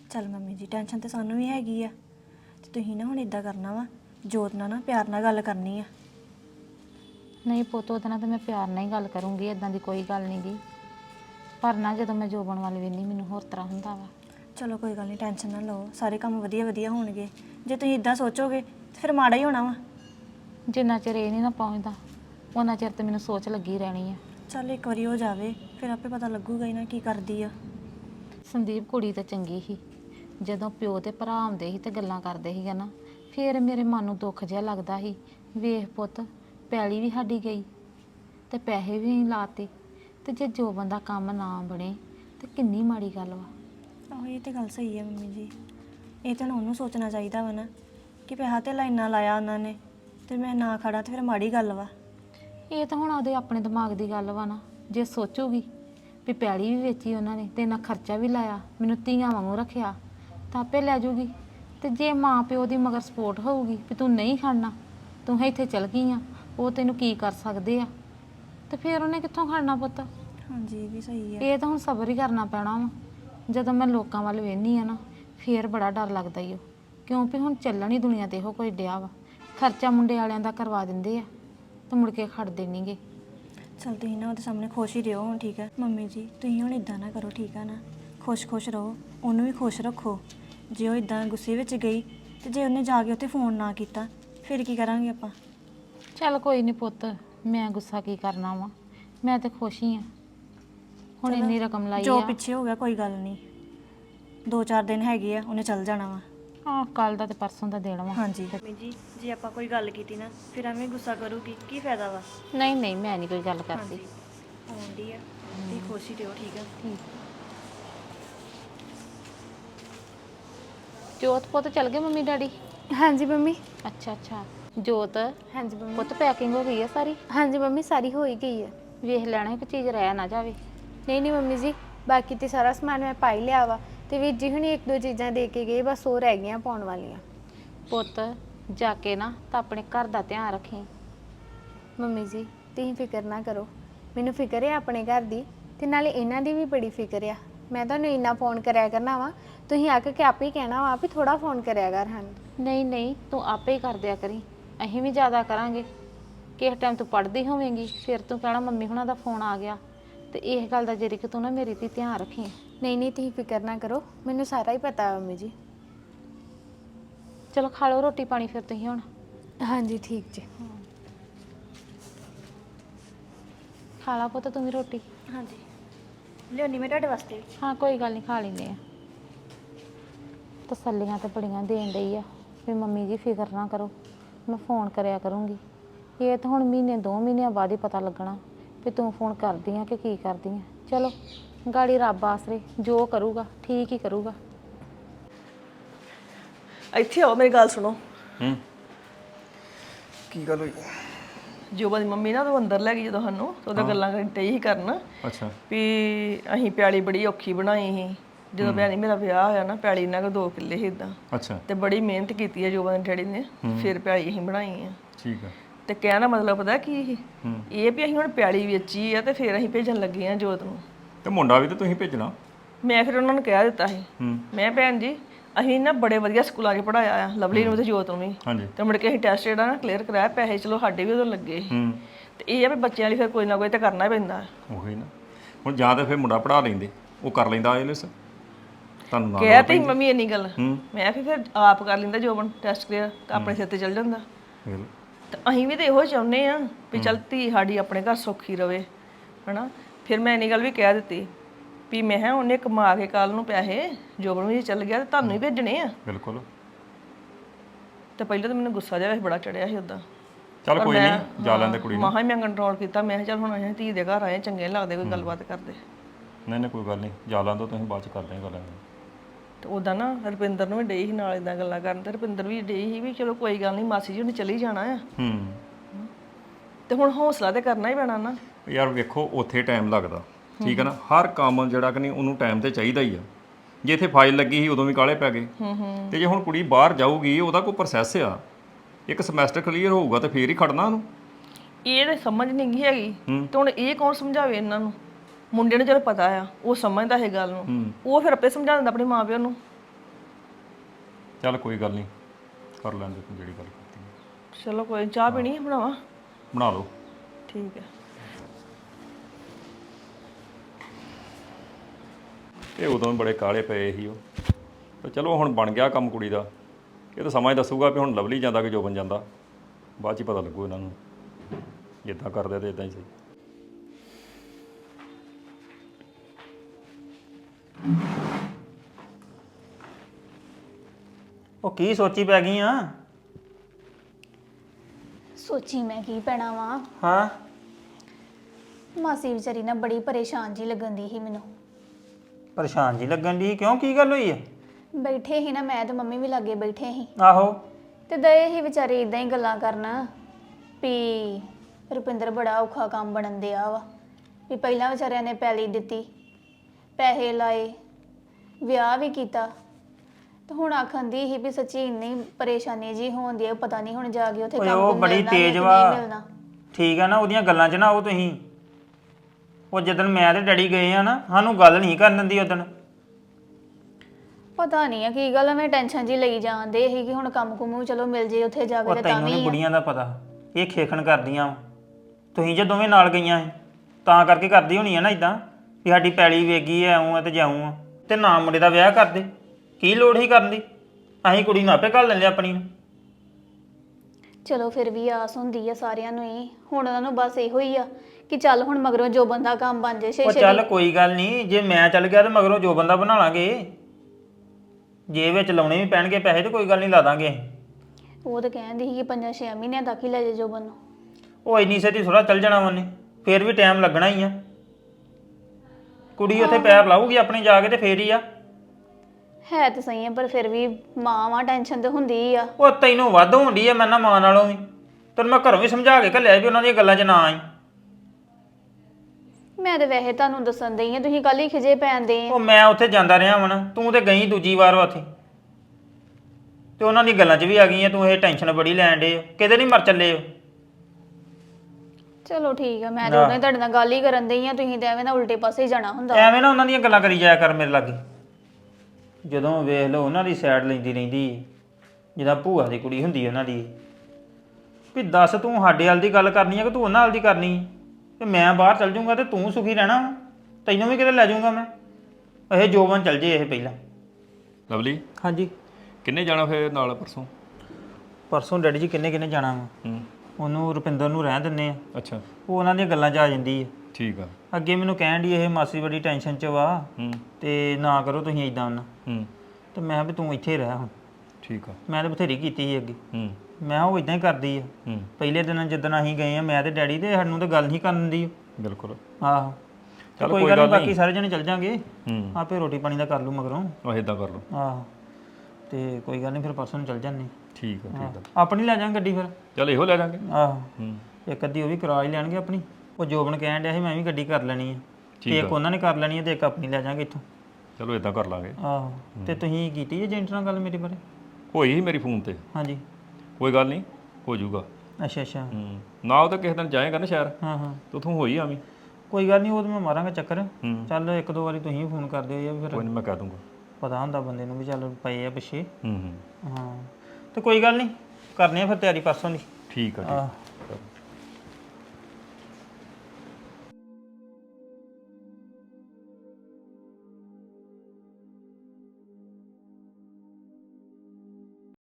F: ਚੱਲ ਮੰਮੀ ਜੀ ਟੈਨਸ਼ਨ ਤੇ ਸਾਨੂੰ ਵੀ ਹੈਗੀ ਆ ਤੇ ਤੁਸੀਂ ਨਾ ਹੁਣ ਇਦਾਂ ਕਰਨਾ ਵਾ ਜੋਤ ਨਾਲ ਨਾ ਪਿਆਰ ਨਾਲ ਗੱਲ ਕਰਨੀ ਆ।
A: ਨਹੀਂ ਪੁੱਤ ਉਹਦੇ ਨਾਲ ਤਾਂ ਮੈਂ ਪਿਆਰ ਨਾਲ ਹੀ ਗੱਲ ਕਰੂੰਗੀ, ਇਦਾਂ ਦੀ ਕੋਈ ਗੱਲ ਨਹੀਂ ਗੀ। ਪਰ ਨਾ ਜਦੋਂ ਮੈਂ ਜੋਬਨ ਵੱਲ ਵੇਖਨੀ ਮੈਨੂੰ ਹੋਰ ਤਰ੍ਹਾਂ ਹੁੰਦਾ ਵਾ।
F: ਚਲੋ ਕੋਈ ਗੱਲ ਨਹੀਂ ਟੈਨਸ਼ਨ ਨਾ ਲਓ, ਸਾਰੇ ਕੰਮ ਵਧੀਆ ਵਧੀਆ ਹੋਣਗੇ। ਜੇ ਤੁਸੀਂ ਇਦਾਂ ਸੋਚੋਗੇ ਤੇ ਫਿਰ ਮਾੜਾ ਹੀ ਹੋਣਾ ਵਾ।
A: ਜਿੰਨਾ ਚਿਰ ਇਹ ਨਹੀਂ ਨਾ ਪਹੁੰਚਦਾ ਉਹਨਾਂ ਚਿਰ ਤੇ ਮੈਨੂੰ ਸੋਚ ਲੱਗੀ ਰਹਿਣੀ ਆ।
F: ਚੱਲ ਇੱਕ ਵਾਰੀ ਹੋ ਜਾਵੇ ਫਿਰ ਆਪੇ ਪਤਾ ਲੱਗੂਗਾ ਹੀ ਨਾ ਕੀ ਕਰਦੀ ਆ।
A: ਸੰਦੀਪ ਕੁੜੀ ਤਾਂ ਚੰਗੀ ਸੀ, ਜਦੋਂ ਪਿਓ ਤੇ ਭਰਾ ਆਉਂਦੇ ਸੀ ਤੇ ਗੱਲਾਂ ਕਰਦੇ ਸੀਗੇ ਨਾ ਫਿਰ ਮੇਰੇ ਮਨ ਨੂੰ ਦੁੱਖ ਜਿਹਾ ਲੱਗਦਾ ਸੀ। ਵੇਖ ਪੁੱਤ ਪੈਲੀ ਵੀ ਸਾਡੀ ਗਈ ਤੇ ਪੈਸੇ ਵੀ ਅਸੀਂ ਲਾਤੇ, ਤੇ ਜੇ ਜੋ ਬੰਦਾ ਕੰਮ ਨਾ ਬਣੇ ਤੇ ਕਿੰਨੀ ਮਾੜੀ ਗੱਲ ਵਾ।
F: ਆਹੋ ਇਹ ਤੇ ਗੱਲ ਸਹੀ ਹੈ ਮੰਮੀ ਜੀ। ਇਹ ਤਾਂ ਨਾ ਉਹਨੂੰ ਸੋਚਣਾ ਚਾਹੀਦਾ ਵਾ ਨਾ ਕਿ ਪੈਸਾ ਤੇ ਇੰਨਾ ਲਾਇਆ ਉਹਨਾਂ ਨੇ ਤੇ ਮੈਂ ਨਾ ਖੜਾ ਤੇ ਫਿਰ ਮਾੜੀ ਗੱਲ ਵਾ।
A: ਇਹ ਤਾਂ ਹੁਣ ਉਹਦੇ ਆਪਣੇ ਦਿਮਾਗ ਦੀ ਗੱਲ ਵਾ ਨਾ। ਜੇ ਸੋਚੂਗੀ ਵੀ ਪੈਲੀ ਵੀ ਵੇਚੀ ਉਹਨਾਂ ਨੇ ਤੇ ਇੰਨਾ ਖਰਚਾ ਵੀ ਲਾਇਆ, ਮੈਨੂੰ ਧੀਆਂ ਵਾਂਗੂ ਰੱਖਿਆ, ਤਾਂ ਆਪੇ ਲੈ ਜੂਗੀ। ਤੇ ਜੇ ਮਾਂ ਪਿਓ ਦੀ ਮਗਰ ਸਪੋਰਟ ਹੋਊਗੀ ਵੀ ਤੂੰ ਨਹੀਂ ਖੜਨਾ, ਤੂੰ ਇੱਥੇ ਚਲ ਗਈ ਆ, ਉਹ ਤੈਨੂੰ ਕੀ ਕਰ ਸਕਦੇ ਆ, ਤੇ ਫਿਰ ਉਹਨੇ ਕਿੱਥੋਂ ਖੜਨਾ ਪੁੱਤ।
F: ਹਾਂਜੀ ਇਹ ਵੀ ਸਹੀ ਹੈ।
A: ਇਹ ਤਾਂ ਹੁਣ ਸਬਰ ਹੀ ਕਰਨਾ ਪੈਣਾ ਵਾ। ਜਦੋਂ ਮੈਂ ਲੋਕਾਂ ਵੱਲ ਵੇਖਨੀ ਆ ਨਾ ਫੇਰ ਬੜਾ ਡਰ ਲੱਗਦਾ ਈ ਉਹ, ਕਿਉਂਕਿ ਹੁਣ ਚੱਲਣ ਹੀ ਦੁਨੀਆ ਤੇ ਇਹੋ ਕੋਈ ਡਿਆ ਵਾ। ਖਰਚਾ ਮੁੰਡੇ ਵਾਲਿਆਂ ਦਾ ਕਰਵਾ ਦਿੰਦੇ ਆ ਤੇ ਮੁੜ ਕੇ ਖੜਦੇ ਨਹੀਂਗੇ।
F: ਚਲ ਤੁਸੀਂ ਨਾ ਉਹਦੇ ਸਾਹਮਣੇ ਖੁਸ਼ ਹੀ ਰਹੋ ਹੁਣ, ਠੀਕ ਹੈ ਮੰਮੀ ਜੀ। ਤੁਸੀਂ ਹੁਣ ਇਦਾਂ ਨਾ ਕਰੋ, ਠੀਕ ਆ ਨਾ। ਖੁਸ਼-ਖੁਸ਼ ਰਹੋ, ਉਹਨੂੰ ਵੀ ਖੁਸ਼ ਰੱਖੋ। ਜੇ ਉਹ ਇਦਾਂ ਗੁੱਸੇ ਵਿੱਚ ਗਈ ਤੇ ਜੇ ਉਹਨੇ ਜਾ ਕੇ ਉੱਥੇ ਫੋਨ ਨਾ ਕੀਤਾ ਫਿਰ ਕੀ ਕਰਾਂਗੇ ਆਪਾਂ।
A: ਚੱਲ ਕੋਈ ਨਹੀਂ ਪੁੱਤ, ਮੈਂ ਗੁੱਸਾ ਕੀ ਕਰਨਾ ਵਾ, ਮੈਂ ਤੇ ਖੁਸ਼ ਹੀ ਆ। ਹੁਣ ਇੰਨੀ ਰਕਮ ਲਾਈ
F: ਜੋ
A: ਆ।
F: ਪਿੱਛੇ ਹੋ ਗਿਆ ਕੋਈ ਗੱਲ ਨਹੀਂ, ਦੋ ਚਾਰ ਦਿਨ ਹੈਗੇ ਆ, ਉਹਨੇ ਚੱਲ ਜਾਣਾ ਵਾ।
A: ਹਾਂ ਕੱਲ ਦਾ ਤੇ ਪਰਸੋਂ ਦਾ ਦੇਣਾ ਵਾ।
F: ਹਾਂਜੀ ਮੰਮੀ ਜੀ ਜੇ ਆਪਾਂ ਕੋਈ ਗੱਲ ਕੀਤੀ ਨਾ ਫਿਰ ਐਵੇਂ ਗੁੱਸਾ ਕਰੂਗੀ, ਕੀ ਫਾਇਦਾ ਵਾ।
A: ਨਹੀਂ ਨਹੀਂ ਮੈਂ ਨਹੀਂ ਕੋਈ ਗੱਲ ਕਰਦੀ।
F: ਆਉਂਦੀ ਆ ਤੁਸੀਂ ਖੁਸ਼ ਹੀ ਰਹੋ, ਠੀਕ ਆ।
A: ਠੀਕ। ਜੋਤ ਪੁੱਤ ਚੱਲ ਗਏ ਮੰਮੀ ਡੈਡੀ?
E: ਹਾਂਜੀ ਮੰਮੀ।
A: ਅੱਛਾ ਅੱਛਾ। ਜੋਤ
E: ਹਾਂਜੀ ਮੰਮੀ।
A: ਪੁੱਤ ਪੈਕਿੰਗ ਹੋ ਗਈ ਆ ਸਾਰੀ?
E: ਹਾਂਜੀ ਮੰਮੀ ਸਾਰੀ ਹੋ ਹੀ ਗਈ ਹੈ।
A: ਵੇਖ ਲੈਣਾ ਕਿ ਚੀਜ਼ ਰਹਿ ਨਾ ਜਾਵੇ।
E: ਨਹੀਂ ਨਹੀਂ ਮੰਮੀ ਜੀ ਬਾਕੀ ਤੇ ਸਾਰਾ ਸਮਾਨ ਮੈਂ ਪਾ ਹੀ ਲਿਆ ਵਾ, ਤੇ ਵੀਰ ਜੀ ਹੁਣੀ ਇੱਕ ਦੋ ਚੀਜ਼ਾਂ ਦੇ ਕੇ ਗਏ, ਬਸ ਉਹ ਰਹਿ ਗਈਆਂ ਪਾਉਣ ਵਾਲੀਆਂ।
A: ਪੁੱਤ ਜਾ ਕੇ ਨਾ ਤਾਂ ਆਪਣੇ ਘਰ ਦਾ ਧਿਆਨ ਰੱਖੀ।
E: ਮੰਮੀ ਜੀ ਤੁਸੀਂ ਫਿਕਰ ਨਾ ਕਰੋ, ਮੈਨੂੰ ਫਿਕਰ ਹੈ ਆਪਣੇ ਘਰ ਦੀ ਤੇ ਨਾਲੇ ਇਹਨਾਂ ਦੀ ਵੀ ਬੜੀ ਫਿਕਰ ਆ। ਮੈਂ ਤੁਹਾਨੂੰ ਇੰਨਾ ਫੋਨ ਕਰਿਆ ਕਰਨਾ ਵਾ, ਤੁਸੀਂ ਆ ਕੇ ਆਪੇ ਹੀ ਕਹਿਣਾ ਵਾ ਵੀ ਥੋੜਾ ਫੋਨ ਕਰਿਆ ਕਰ ਹਨ।
A: ਨਹੀਂ ਨਹੀਂ ਤੂੰ ਆਪੇ ਹੀ ਕਰ ਦਿਆ ਕਰੀ, ਅਸੀਂ ਵੀ ਜ਼ਿਆਦਾ ਕਰਾਂਗੇ। ਕਿਸੇ ਟਾਈਮ ਤੂੰ ਪੜ੍ਹਦੀ ਹੋਵੇਂਗੀ ਫਿਰ ਤੂੰ ਕਹਿਣਾ ਮੰਮੀ ਹੁਣਾਂ ਦਾ ਫੋਨ ਆ ਗਿਆ, ਤੇ ਇਸ ਗੱਲ ਦਾ ਜਿਹੜੀ ਕਿ ਤੂੰ ਨਾ ਮੇਰੀ ਤੇ ਧਿਆਨ ਰੱਖੀ।
E: ਨਹੀਂ ਨਹੀਂ ਤੁਸੀਂ ਫਿਕਰ ਨਾ ਕਰੋ, ਮੈਨੂੰ ਸਾਰਾ ਹੀ ਪਤਾ ਹੈ ਮੰਮੀ ਜੀ।
A: ਚਲੋ ਖਾ ਲਓ ਰੋਟੀ ਪਾਣੀ ਫਿਰ ਤੁਸੀਂ ਹੁਣ।
E: ਹਾਂਜੀ ਠੀਕ ਜੀ।
A: ਖਾ ਲਾ ਪੁੱਤ ਤੂੰ ਵੀ ਰੋਟੀ।
F: ਹਾਂਜੀ ਲਿਆਉਣੀ ਮੈਂ ਤੁਹਾਡੇ ਵਾਸਤੇ।
A: ਹਾਂ ਕੋਈ ਗੱਲ ਨਹੀਂ ਖਾ ਲੈਂਦੇ ਆ। ਤਸੱਲੀਆਂ ਤੇ ਬੜੀਆਂ ਦੇਣ ਡਈ ਆ ਵੀ ਮੰਮੀ ਜੀ ਫਿਕਰ ਨਾ ਕਰੋ, ਮੈਂ ਫੋਨ ਕਰਿਆ ਕਰੂੰਗੀ। ਇਹ ਤਾਂ ਹੁਣ ਮਹੀਨੇ ਦੋ ਮਹੀਨਿਆਂ ਬਾਅਦ ਹੀ ਪਤਾ ਲੱਗਣਾ ਵੀ ਤੂੰ ਫੋਨ ਕਰਦੀ ਆ ਕਿ ਕੀ ਕਰਦੀ ਆ। ਚਲੋ ਗਾੜੀ ਰੱਬ ਆਸਰੇ ਜੋ ਕਰੂਗਾ ਠੀਕ ਹੀ ਕਰੂਗਾ।
C: ਇੱਥੇ ਆਓ ਮੇਰੀ ਗੱਲ ਸੁਣੋ।
G: ਹੂੰ ਕੀ ਗੱਲ ਹੋਈ?
C: ਜੋਬਨ ਦੀ ਮੰਮੀ ਨਾ ਉਹ ਅੰਦਰ ਲੈ ਗਈ ਜਦੋਂ ਸਾਨੂੰ, ਤੇ ਉਹਦਾ ਗੱਲਾਂ ਕਰਨ ਤੇ ਹੀ ਕਰਨ
G: ਅੱਛਾ
C: ਵੀ ਅਸੀਂ ਪਿਆਲੀ ਬੜੀ ਔਖੀ ਬਣਾਈ ਸੀ ਜਦੋਂ ਭੈਣੀ ਮੇਰਾ ਵਿਆਹ ਹੋਇਆ ਨਾ। ਪਿਆਲੀ ਇਹਨਾਂ ਕੋਲ ਦੋ ਕਿੱਲੇ ਸੀ ਇਦਾਂ,
G: ਅੱਛਾ
C: ਤੇ ਬੜੀ ਮਿਹਨਤ ਕੀਤੀ ਹੈ ਜੋਬਨ ਦੇ ਡੈਡੀ ਨੇ, ਫਿਰ ਪਿਆਲੀ ਅਸੀਂ ਬਣਾਈ ਆ।
G: ਠੀਕ ਆ।
C: ਤੇ ਕਹਿਣ ਦਾ ਮਤਲਬ ਪਤਾ ਕੀ ਸੀ,
G: ਹੂੰ
C: ਇਹ ਵੀ ਅਸੀਂ ਹੁਣ ਪਿਆਲੀ ਵੇਚੀ ਆ ਤੇ ਫਿਰ ਅਸੀਂ ਭੇਜਣ ਲੱਗੇ ਆ ਜੋਤ ਨੂੰ।
G: ਤੇ ਮੁੰਡਾ ਵੀ ਤਾਂ ਤੁਸੀਂ ਭੇਜਣਾ।
C: ਮੈਂ ਫਿਰ ਉਹਨਾਂ ਨੂੰ ਕਹਿ ਦਿੱਤਾ ਸੀ,
G: ਹੂੰ
C: ਮੈਂ ਭੈਣ ਜੀ ਅਸੀਂ ਨਾ ਬੜੇ ਵਧੀਆ ਸਕੂਲਾਂ 'ਚ ਪੜਾਇਆ ਆ, ਲਵਲੀ ਨੂੰ ਤੇ ਜੋਤ ਨੂੰ ਵੀ।
G: ਹਾਂਜੀ
C: ਤੇ ਮੁੜ ਕੇ ਅਸੀਂ ਟੈਸਟ ਜਿਹੜਾ ਨਾ ਕਲੀਅਰ ਕਰਾਇਆ, ਪੈਸੇ ਚਲੋ ਸਾਡੇ ਵੀ ਉਦੋਂ ਲੱਗੇ ਸੀ।
G: ਹੂੰ
C: ਤੇ ਇਹ ਆ ਵੀ ਬੱਚਿਆਂ ਲਈ ਫਿਰ ਕੋਈ ਨਾ ਕੋਈ ਤਾਂ ਕਰਨਾ ਹੀ ਪੈਂਦਾ।
G: ਉਹੀ ਨਾ, ਹੁਣ ਜਾਂ ਤਾਂ ਫਿਰ ਮੁੰਡਾ ਪੜਾ ਲੈਂਦੇ, ਉਹ ਕਰ ਲੈਂਦਾ ਆਇਲਸ ਤੁਹਾਨੂੰ ਨਾਲ
C: ਕਹਿ ਤੇ ਮੰਮੀ ਇੰਨੀ ਗੱਲ,
G: ਹੂੰ
C: ਮੈਂ ਫਿਰ ਫਿਰ ਆਪ ਕਰ ਲੈਂਦਾ ਜੋਬਨ ਟੈਸਟ ਕਲੀਅਰ, ਤਾਂ ਆਪਣੇ ਸਿਰ ਤੇ ਚੱਲ ਜਾਂਦਾ।
G: ਵੇਖ ਲਓ।
C: ਤੇ ਅਸੀਂ ਵੀ ਤੇ ਇਹੋ ਚਾਹੁੰਦੇ ਆ ਵੀ ਚੱਲ ਧੀ ਸਾਡੀ ਆਪਣੇ ਘਰ ਸੌਖੀ ਰਵੇ, ਹਨਾ। ਫਿਰ ਮੈਂ ਇੰਨੀ ਗੱਲ ਵੀ ਕਹਿ ਦਿੱਤੀ ਵੀ ਮੈਂ ਕਿਹਾ ਉਹਨੇ ਕਮਾ ਕੇ ਕੱਲ ਨੂੰ ਪੈਸੇ ਜੋਬਨ ਵੀ ਚੱਲ ਗਿਆ ਤੇ ਤੁਹਾਨੂੰ ਹੀ ਭੇਜਣੇ ਆ।
G: ਬਿਲਕੁਲ।
C: ਤੇ ਪਹਿਲਾਂ ਤਾਂ ਮੈਨੂੰ ਗੁੱਸਾ ਜਿਹਾ ਬੜਾ ਚੜਿਆ ਸੀ ਉਦਾਂ।
G: ਚੱਲ ਕੋਈ ਨਹੀਂ, ਜਾ ਲੈਂਦੇ ਕੁੜੀ ਨੂੰ।
C: ਮਹਾਂ ਹੀ ਮੈਂ ਕੰਟਰੋਲ ਕੀਤਾ, ਮੈਂ ਕਿਹਾ ਚੱਲ ਹੁਣ ਅਸੀਂ ਧੀ ਦੇ ਘਰ ਆਏ, ਚੰਗੇ ਨੀ ਲੱਗਦੇ ਕੋਈ ਗੱਲਬਾਤ ਕਰਦੇ।
G: ਨਹੀਂ ਨਹੀਂ ਕੋਈ ਗੱਲ ਨਹੀਂ, ਜਾ ਲੈਂਦੋ ਤੁਸੀਂ, ਬਾਅਦ ਚ ਕਰਦੇ ਹਾਂ ਗੱਲ।
C: ਤੇ ਉਦਾਂ ਨਾ ਰੁਪਿੰਦਰ ਨੂੰ ਵੀ ਡਈ ਸੀ ਨਾਲ ਇਦਾਂ ਗੱਲਾਂ ਕਰਨ, ਤੇ ਰੁਪਿੰਦਰ ਵੀ ਡਈ ਸੀ ਵੀ ਚਲੋ ਕੋਈ ਗੱਲ ਨਹੀਂ ਮਾਸੀ ਜੀ ਉਹਨੇ ਚਲੀ ਜਾਣਾ ਆ।
G: ਹੂੰ
C: ਤੇ ਹੁਣ ਹੌਸਲਾ ਤੇ ਕਰਨਾ ਹੀ ਪੈਣਾ ਨਾ।
G: ਯਾਰ ਵੇਖੋ ਉੱਥੇ ਟਾਈਮ ਲੱਗਦਾ, ਠੀਕ ਹੈ ਨਾ। ਹਰ ਕੰਮ ਜਿਹੜਾ ਕਿ ਨਹੀਂ ਉਹਨੂੰ ਟਾਈਮ ਤੇ ਚਾਹੀਦਾ ਹੀ ਆ। ਜੇ ਇੱਥੇ ਫਾਈਲ ਲੱਗੀ ਸੀ ਉਦੋਂ ਵੀ ਕਾਲੇ ਪੈ ਗਏ, ਤੇ ਜੇ ਹੁਣ ਕੁੜੀ ਬਾਹਰ ਜਾਊਗੀ ਉਹਦਾ ਕੋਈ ਪ੍ਰੋਸੈਸ ਆ, ਇੱਕ ਸਮੈਸਟਰ ਕਲੀਅਰ ਹੋਊਗਾ ਤੇ ਫੇਰ ਹੀ ਖੜਨਾ ਉਹਨੂੰ।
C: ਇਹ ਤਾਂ ਸਮਝ ਨਹੀਂ ਗਈ ਹੈਗੀ, ਤੇ ਹੁਣ ਇਹ ਕੌਣ ਸਮਝਾਵੇ ਇਹਨਾਂ ਨੂੰ? ਮੁੰਡੇ ਨੂੰ ਚਲੋ ਪਤਾ ਆ, ਉਹ ਸਮਝਦਾ ਇਹ ਗੱਲ ਨੂੰ, ਉਹ ਫਿਰ ਆਪੇ ਸਮਝਾ ਦਿੰਦਾ ਆਪਣੇ ਮਾਂ ਪਿਓ ਨੂੰ।
G: ਚੱਲ ਕੋਈ ਗੱਲ ਨਹੀਂ, ਕਰ ਲੈਂਦੇ ਤੂੰ ਜਿਹੜੀ ਗੱਲ ਕੀਤੀ ਹੈ।
C: ਚਲੋ ਕੋਈ ਨੀ, ਚਾਹ ਪੀਣੀ ਹੈ ਬਣਾਵਾਂ?
G: ਬਣਾ ਲਓ।
C: ਠੀਕ ਹੈ।
G: ਇਹ ਉਦੋਂ ਵੀ ਬੜੇ ਕਾਲੇ ਪਏ ਸੀ ਉਹ, ਤੇ ਚਲੋ ਹੁਣ ਬਣ ਗਿਆ ਕੰਮ ਕੁੜੀ ਦਾ। ਇਹ ਤਾਂ ਸਮਾਂ ਹੀ ਦੱਸੂਗਾ ਵੀ ਹੁਣ ਲਵਲੀ ਜਾਂਦਾ ਕਿ ਜੋਬਨ ਜਾਂਦਾ, ਬਾਅਦ 'ਚ ਹੀ ਪਤਾ ਲੱਗੂ ਇਹਨਾਂ ਨੂੰ। ਜਿੱਦਾਂ ਕਰਦੇ ਤੇ ਇਦਾਂ ਹੀ ਸਹੀ।
D: ਉਹ ਕੀ ਸੋਚੀ ਪੈ ਗਈ ਆ?
B: ਸੋਚੀ ਮੈਂ ਕੀ ਪੈਣਾ ਵਾ,
D: ਹਾਂ
B: ਮਾਸੀ ਵਿਚਾਰੀ ਨਾ ਬੜੀ ਪਰੇਸ਼ਾਨ ਜੀ ਲੱਗਣ ਦੀ ਸੀ ਮੈਨੂੰ।
D: ਪਰੇਸ਼ਾਨ ਜੀ ਲੱਗਣ ਦੀ ਕਿਉਂ? ਕੀ ਗੱਲ ਹੋਈ ਆ?
B: ਬੈਠੇ ਸੀ ਨਾ ਮੈਂ ਤੇ ਮੰਮੀ ਵੀ ਲਾਗੇ ਬੈਠੇ ਸੀ,
D: ਆਹੋ
B: ਤੇ ਦਏ ਹੀ ਵਿਚਾਰੇ ਇਦਾਂ ਹੀ ਗੱਲਾਂ ਕਰਨ ਵੀ ਰੁਪਿੰਦਰ ਬੜਾ ਔਖਾ ਕੰਮ ਬਣਨ ਦਿਆ ਵਾ, ਵੀ ਪਹਿਲਾਂ ਵਿਚਾਰਿਆਂ ਨੇ ਪੈਲੀ ਦਿੱਤੀ, ਪੈਸੇ ਲਾਏ, ਵਿਆਹ ਵੀ ਕੀਤਾ, ਤੇ ਹੁਣ ਆਖਣ ਦੀ ਸੀ ਵੀ ਸੱਚੀ ਇੰਨੀ ਪਰੇਸ਼ਾਨੀ ਜੀ ਹੋਣ ਦੀ ਆ, ਪਤਾ ਨਹੀਂ ਹੁਣ ਜਾ ਕੇ ਉੱਥੇ
D: ਓਏ
B: ਕੰਮ
D: ਉਹ
B: ਕੁਮ
D: ਬੜੀ
B: ਮਿਲਣਾ
D: ਤੇਜ਼
B: ਕਿ
D: ਵਾ।
B: ਨਹੀਂ ਮਿਲਣਾ।
D: ਠੀਕ ਆ ਨਾ, ਉਹਦੀਆਂ ਗੱਲਾਂ 'ਚ ਨਾ ਉਹ ਤੁਸੀਂ ਉਹ ਜਦੋਂ ਮੈਂ ਤੇ ਡੈਡੀ ਗਏ ਆ ਨਾ, ਸਾਨੂੰ ਗੱਲ ਨਹੀਂ ਕਰਨ ਦਿੰਦੀ ਉਦੋਂ।
B: ਪਤਾ ਨਹੀਂ ਆ ਕੀ ਗੱਲ, ਮੈਂ ਟੈਨਸ਼ਨ ਜੀ ਲਈ ਜਾਂਦੇ ਸੀ ਕਿ ਹੁਣ ਕੰਮ ਕੁਮ ਚਲੋ ਮਿਲ ਜੇ ਉੱਥੇ ਜਾ ਕੇ
D: ਉਹ
B: ਤੇ ਤਾਂ
D: ਤੈਨੂੰ
B: ਵੀ
D: ਨਹੀਂ
B: ਆ।
D: ਬੁੜੀਆਂ ਦਾ ਪਤਾ, ਇਹ ਖੇਖਣ ਕਰਦੀਆਂ ਵਾਂ। ਤੁਸੀਂ ਜੇ ਦੋਵੇਂ ਨਾਲ ਗਈਆਂ ਸੀ ਤਾਂ ਕਰਕੇ ਕਰਦੀ ਹੋਣੀ ਆ ਨਾ ਇਦਾਂ ਵੀ ਸਾਡੀ ਪੈਲੀ ਵੇਗੀ ਐ, ਆਉਂ ਆ ਤੇ ਜਾਉਂ ਆ, ਤੇ ਨਾ ਮੁੰਡੇ ਦਾ ਵਿਆਹ ਕਰਦੇ। ਕੀ ਲੋੜ ਹੀ ਕਰਨ ਦੀ? ਅਸੀਂ ਕੁੜੀ ਨੂੰ ਆਪੇ ਘੱਲ ਲੈਂਦੇ ਆਪਣੀ ਨੂੰ।
B: ਚਲੋ ਫਿਰ ਵੀ ਆਸ ਹੁੰਦੀ ਆ ਸਾਰਿਆਂ ਨੂੰ ਹੀ, ਹੁਣ ਉਹਨਾਂ ਨੂੰ ਬਸ ਇਹੋ ਹੀ ਆ ਕਿ ਚੱਲ ਹੁਣ ਮਗਰੋਂ ਜੋ ਬੰਦਾ ਕੰਮ ਬਣ ਜੇ ਛੇ
D: ਉਹ
B: ਛੇ
D: ਚੱਲ ਕੋਈ ਗੱਲ ਨਹੀਂ, ਜੇ ਮੈਂ ਚੱਲ ਗਿਆ ਤੇ ਮਗਰੋਂ ਜੋ ਬੰਦਾ ਬਣਾ ਲਾਂਗੇ। ਜੇ ਵਿੱਚ ਲਾਉਣੇ ਵੀ ਪੈਣਗੇ ਪੈਸੇ ਤੇ ਕੋਈ ਗੱਲ ਨਹੀਂ, ਲਾ ਦਾਂਗੇ ਅਸੀਂ।
B: ਉਹ ਤਾਂ ਕਹਿੰਦੀ ਸੀ ਕਿ ਪੰਜਾਂ ਛੇ ਮਹੀਨਿਆਂ ਤੱਕ ਹੀ ਲੈ ਜੇ ਜੋਬਨ ਨੂੰ।
D: ਉਹ ਇੰਨੀ ਛੇਤੀ ਥੋੜਾ ਚੱਲ ਜਾਣਾ ਉਹਨੇ, ਫੇਰ ਵੀ ਟਾਈਮ ਲੱਗਣਾ ਹੀ ਆ। ਕੁੜੀ ਉੱਥੇ ਪੈਰ ਲਾਊਗੀ ਆਪਣੇ ਜਾ ਕੇ ਤੇ ਫੇਰ ਹੀ ਆ।
B: ਹੈ ਤਾਂ ਸਹੀ ਆ, ਪਰ ਫਿਰ ਵੀ ਮਾਂ ਵਾਂ ਟੈਨਸ਼ਨ ਤੇ ਹੁੰਦੀ ਆ।
D: ਉਹ ਤੈਨੂੰ ਵੱਧ ਹੁੰਦੀ ਆ ਮੈਂ ਨਾ ਮਾਂ ਨਾਲੋਂ ਵੀ। ਤੈਨੂੰ ਮੈਂ ਘਰੋਂ ਵੀ ਸਮਝਾ ਕੇ ਘੱਲਿਆ ਵੀ ਉਹਨਾਂ ਦੀਆਂ ਗੱਲਾਂ 'ਚ ਨਾ ਆਈ।
B: ਮੈਂ ਤੇ ਵੈਸੇ ਤੁਹਾਨੂੰ ਦੱਸਣ ਦਈ ਆ, ਤੁਸੀਂ ਕੱਲ ਹੀ ਖਿਜੇ ਪੈਂਦੇ ਆ।
D: ਉਹ ਮੈਂ ਉੱਥੇ ਜਾਂਦਾ ਰਿਹਾ ਵਾਂ ਨਾ, ਤੂੰ ਤੇ ਗਈ ਦੂਜੀ ਵਾਰ ਉੱਥੇ, ਤੇ ਉਹਨਾਂ ਦੀ ਗੱਲਾਂ 'ਚ ਵੀ ਆ ਗਈ ਆ। ਤੂੰ ਇਹ ਟੈਨਸ਼ਨ ਬੜੀ ਲੈਣ ਡੇ ਹੋ, ਕਿਤੇ ਨਹੀਂ ਮਰ ਚੱਲੇ ਹੋ।
B: ਚਲੋ ਠੀਕ ਆ, ਮੈਂ ਤਾਂ ਉਹਨੇ ਤੁਹਾਡੇ ਨਾਲ ਗੱਲ ਹੀ ਕਰਨ ਦਈ ਆ, ਤੁਸੀਂ ਤਾਂ ਐਵੇਂ ਨਾ ਉਲਟੇ ਪਾਸੇ ਹੀ ਜਾਣਾ ਹੁੰਦਾ।
D: ਐਵੇਂ ਨਾ ਉਹਨਾਂ ਦੀਆਂ ਗੱਲਾਂ ਕਰੀ ਜਾਇਆ ਕਰ ਮੇਰੇ ਲਾਗੇ। ਜਦੋਂ ਵੇਖ ਲਓ ਉਹਨਾਂ ਦੀ ਸਾਈਡ ਲੈਂਦੀ ਰਹਿੰਦੀ, ਜਿੱਦਾਂ ਭੂਆ ਦੀ ਕੁੜੀ ਹੁੰਦੀ ਉਹਨਾਂ ਦੀ। ਵੀ ਦੱਸ ਤੂੰ ਸਾਡੇ ਵੱਲ ਦੀ ਗੱਲ ਕਰਨੀ ਹੈ ਕਿ ਤੂੰ ਉਹਨਾਂ ਵੱਲ ਦੀ ਕਰਨੀ ਹੈ? ਤੇ ਮੈਂ ਬਾਹਰ ਚੱਲ ਜਾਊਂਗਾ ਤੇ ਤੂੰ ਸੁਖੀ ਰਹਿਣਾ ਵਾ, ਤੈਨੂੰ ਵੀ ਕਿਤੇ ਲੈ ਜਾਊਂਗਾ ਮੈਂ। ਇਹ ਜੋਬਨ ਚੱਲ ਜੇ ਇਹ ਪਹਿਲਾਂ।
G: ਲਵਲੀ
D: ਹਾਂਜੀ
G: ਕਿੰਨੇ ਜਾਣਾ ਫਿਰ ਨਾਲ ਪਰਸੋਂ?
D: ਪਰਸੋਂ ਡੈਡੀ ਜੀ ਕਿੰਨੇ ਕਿੰਨੇ ਜਾਣਾ ਵਾ?
G: ਹੂੰ
D: ਉਹਨੂੰ ਰੁਪਿੰਦਰ ਨੂੰ ਰਹਿਣ ਦਿੰਦੇ ਆ,
G: ਅੱਛਾ
D: ਉਹ ਉਹਨਾਂ ਦੀਆਂ ਗੱਲਾਂ 'ਚ ਆ ਜਾਂਦੀ ਹੈ।
G: ਠੀਕ ਆ।
D: ਅੱਗੇ ਮੈਨੂੰ ਕਹਿਣ ਦੀ ਇਹ ਮਾਸੀ ਬੜੀ ਟੈਨਸ਼ਨ 'ਚ ਵਾ
G: ਹੂੰ
D: ਤੇ ਨਾ ਕਰੋ ਤੁਸੀਂ ਇਦਾਂ ਉਹਨਾਂ।
G: ਹੂੰ
D: ਤੇ ਮੈਂ ਕਿਹਾ ਵੀ ਤੂੰ ਇੱਥੇ ਰਹਿ ਹੁਣ।
G: ਠੀਕ ਆ।
D: ਮੈਂ ਤਾਂ ਬਥੇਰੀ ਕੀਤੀ ਸੀ ਅੱਗੇ,
G: ਹੂੰ
D: ਮੈਂ ਕਿਹਾ ਉਹ ਇਦਾਂ ਹੀ ਕਰਦੀ ਆ।
G: ਹੂੰ
D: ਪਹਿਲੇ ਦਿਨ ਜਿੱਦਣ ਅਸੀਂ ਗਏ ਆ ਮੈਂ ਤੇ ਡੈਡੀ, ਤੇ ਸਾਨੂੰ ਤਾਂ ਗੱਲ ਨਹੀਂ ਕਰਨ ਦਿੰਦੀ ਉਹ।
G: ਬਿਲਕੁਲ।
D: ਆਹੋ
G: ਚੱਲ
D: ਕੋਈ
G: ਕੋਈ
D: ਗੱਲ
G: ਗੱਲ
D: ਨਹੀਂ, ਬਾਕੀ
G: ਨਹੀਂ।
D: ਸਾਰੇ ਜਣੇ ਚੱਲ ਜਾਾਂਗੇ,
G: ਹੂੰ
D: ਆਪੇ ਰੋਟੀ ਪਾਣੀ ਦਾ ਕਰ ਲੂ ਮਗਰੋਂ।
G: ਉਹ ਇਦਾਂ ਕਰ ਲਓ।
D: ਆਹੋ ਤੇ ਕੋਈ ਗੱਲ ਨਹੀਂ, ਫਿਰ ਪਰਸੋਂ ਨੂੰ ਚੱਲ ਜਾਂਦੇ।
G: ਠੀਕ ਆ ਠੀਕ ਆ।
D: ਆਪਣੀ ਲੈ ਜਾਾਂਗੇ ਗੱਡੀ ਫਿਰ।
G: ਚੱਲ ਇਹੋ ਲੈ ਜਾਾਂਗੇ।
D: ਆਹੋ
G: ਹੂੰ
D: ਇੱਕ ਅੱਧੀ ਉਹ ਵੀ ਕਰਾ ਹੀ ਲੈਣਗੇ ਆਪਣੀ। ਉਹ ਜੋਬਨ ਕਹਿਣ ਡਿਆ ਸੀ ਮੈਂ ਵੀ ਗੱਡੀ ਕਰ ਲੈਣੀ ਆ, ਤੇ ਇੱਕ ਉਹਨਾਂ ਨੇ ਕਰ ਲੈਣੀ ਆ ਤੇ ਇੱਕ ਆਪਣੀ ਲੈ ਜਾਾਂਗੇ ਇੱਥੋਂ।
G: ਚਲੋ ਇਦਾਂ ਕਰ ਲਾਂਗੇ।
D: ਆਹੋ ਤੇ ਤੁਸੀਂ ਕੀਤੀ ਏਜੰਟ ਨਾਲ ਗੱਲ ਮੇਰੇ ਬਾਰੇ?
G: ਹੋਈ ਸੀ ਮੇਰੀ ਫੋਨ ਤੇ।
D: ਹਾਂਜੀ
G: ਕੋਈ ਗੱਲ ਨਹੀਂ, ਹੋ ਜਾਊਗਾ।
D: ਅੱਛਾ ਅੱਛਾ
G: ਹੂੰ ਨਾ ਉਹ ਤਾਂ ਕਿਸੇ ਦਿਨ ਜਾਏਗਾ ਨਾ ਸ਼ਹਿਰ,
D: ਹਾਂ ਹਾਂ
G: ਤੇ ਉੱਥੋਂ ਹੋਈ ਆਵੀਂ।
D: ਕੋਈ ਗੱਲ ਨਹੀਂ, ਉਹ ਤਾਂ ਮੈਂ ਮਾਰਾਂਗਾ ਚੱਕਰ।
G: ਹੂੰ
D: ਚੱਲ ਇੱਕ ਦੋ ਵਾਰੀ ਤੁਸੀਂ ਵੀ ਫੋਨ ਕਰ ਦਿਓ ਜਾਂ ਫਿਰ
G: ਕੋਈ ਨਹੀਂ ਮੈਂ ਕਹਿ ਦੂੰਗਾ।
D: ਪਤਾ ਹੁੰਦਾ ਬੰਦੇ ਨੂੰ ਵੀ ਚੱਲ ਪਏ ਆ ਪਿੱਛੇ।
G: ਹੂੰ ਹੂੰ
D: ਹਾਂ ਤੇ ਕੋਈ ਗੱਲ ਨਹੀਂ, ਕਰਨੀ ਆ ਫਿਰ ਤਿਆਰੀ ਪਰਸੋਂ ਦੀ।
G: ਠੀਕ ਆ ਠੀਕ।
D: ਆਹ